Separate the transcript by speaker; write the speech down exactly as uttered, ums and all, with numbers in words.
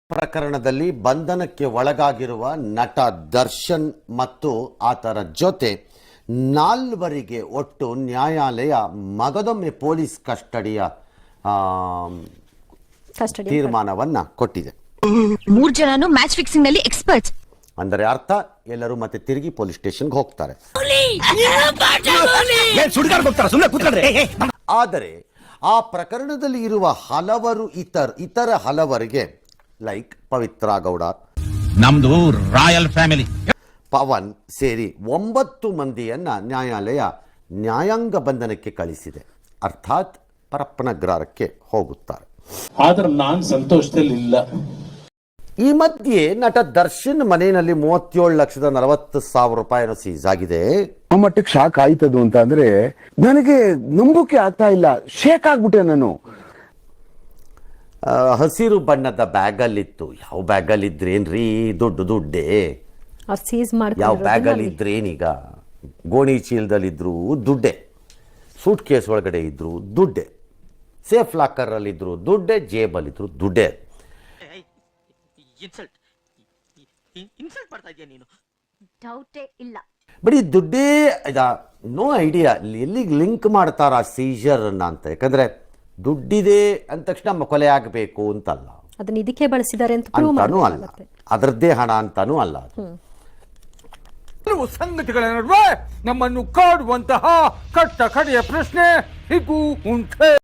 Speaker 1: ಪ್ರಕರಣದಲ್ಲಿ ಬಂಧನಕ್ಕೆ ಒಳಗಾಗಿರುವ ನಟ ದರ್ಶನ್ ಮತ್ತು ಆತನ ಜೊತೆ ನಾಲ್ವರಿಗೆ ಒಟ್ಟು ನ್ಯಾಯಾಲಯ ಮಗದೊಮ್ಮೆ ಪೊಲೀಸ್ ಕಸ್ಟಡಿಯ ತೀರ್ಮಾನವನ್ನ ಕೊಟ್ಟಿದೆ.
Speaker 2: ಮೂರು ಜನನು ಮ್ಯಾಚ್ ಫಿಕ್ಸಿಂಗ್ ನಲ್ಲಿ ಎಕ್ಸ್ಪರ್ಟ್ಸ್.
Speaker 1: ಅಂದರೆ ಅರ್ಥ ಎಲ್ಲರೂ ಮತ್ತೆ ತಿರುಗಿ ಪೊಲೀಸ್ ಸ್ಟೇಷನ್ಗೆ ಹೋಗ್ತಾರೆ. ಆದರೆ ಆ ಪ್ರಕರಣದಲ್ಲಿ ಇರುವ ಹಲವರು ಇತರ ಇತರ ಹಲವರಿಗೆ ಲೈಕ್ ಪವಿತ್ರ ಗೌಡ,
Speaker 3: ನಮ್ದು ರಾಯಲ್ ಫ್ಯಾಮಿಲಿ,
Speaker 1: ಪವನ್ ಸೇರಿ ಒಂಬತ್ತು ಮಂದಿಯನ್ನ ನ್ಯಾಯಾಲಯ ನ್ಯಾಯಾಂಗ ಬಂಧನಕ್ಕೆ ಕಳಿಸಿದೆ. ಅರ್ಥಾತ್ ಪರಪ್ಪನಗ್ರಹಕ್ಕೆ ಹೋಗುತ್ತಾರೆ.
Speaker 4: ಆದ್ರೆ ನಾನು ಸಂತೋಷದಲ್ಲಿ ಇಲ್ಲ.
Speaker 1: ಈ ಮಧ್ಯೆ ನಟ ದರ್ಶನ್ ಮನೆಯಲ್ಲಿ ಮೂವತ್ತೇಳು ಲಕ್ಷದ ನಲವತ್ತು ಸಾವಿರ ರೂಪಾಯಿನೂ ಸೀಸ್ ಆಗಿದೆ.
Speaker 5: ಆ ಮಟ್ಟಕ್ಕೆ ಶಾಕ್ ಆಯ್ತದು ಅಂತ ಅಂದ್ರೆ ನನಗೆ ನಂಬೋಕೆ ಆಗ್ತಾ ಇಲ್ಲ. ಶೇಕ್ ಆಗ್ಬಿಟ್ಟೆ ನಾನು.
Speaker 1: ಹಸಿರು ಬಣ್ಣದ ಬ್ಯಾಗಲ್ಲಿತ್ತು. ಯಾವ ಬ್ಯಾಗಲ್ಲಿ ಇದ್ರೇನ್ರಿ? ದುಡ್ಡು ದುಡ್ಡೇ. ಯಾವ ಬ್ಯಾಗಲ್ಲಿ ಇದ್ರೇನೀಗ? ಗೋಣಿ ಚೀಲದಲ್ಲಿದ್ರು ದುಡ್ಡೆ, ಸೂಟ್ ಕೇಸ್ ಒಳಗಡೆ ಇದ್ರು ದುಡ್ಡೆ, ಸೇಫ್ ಲಾಕರ್ ಅಲ್ಲಿ ಇದ್ರು ದುಡ್ಡೆ, ಜೇಬಲ್ಲಿದ್ರು ದುಡ್ಡೆ. ಬರೀ ದುಡ್ಡೇ. ನೋ ಐಡಿಯಾ ಎಲ್ಲಿಗೆ ಲಿಂಕ್ ಮಾಡ್ತಾರ ಸೀಜರ್ ಅಂತ. ಯಾಕಂದ್ರೆ ದುಡ್ಡಿದೆ ಅಂದ ತಕ್ಷಣ ಕೊಲೆ ಆಗಬೇಕು ಅಂತಲ್ಲ,
Speaker 6: ಅದನ್ನ ಇದಕ್ಕೆ ಬಳಸಿದ್ದಾರೆ
Speaker 1: ಅಂತಾನೂ ಅಲ್ಲ, ಅದರದ್ದೇ ಹಣ ಅಂತಾನೂ ಅಲ್ಲ.
Speaker 7: ಕೆಲವು ಸಂಗತಿಗಳ ನಡುವೆ ನಮ್ಮನ್ನು ಕಾಡುವಂತಹ ಕಟ್ಟ ಕಡೆಯ ಪ್ರಶ್ನೆ ಹೀಗೂ ಉಂಟೆ.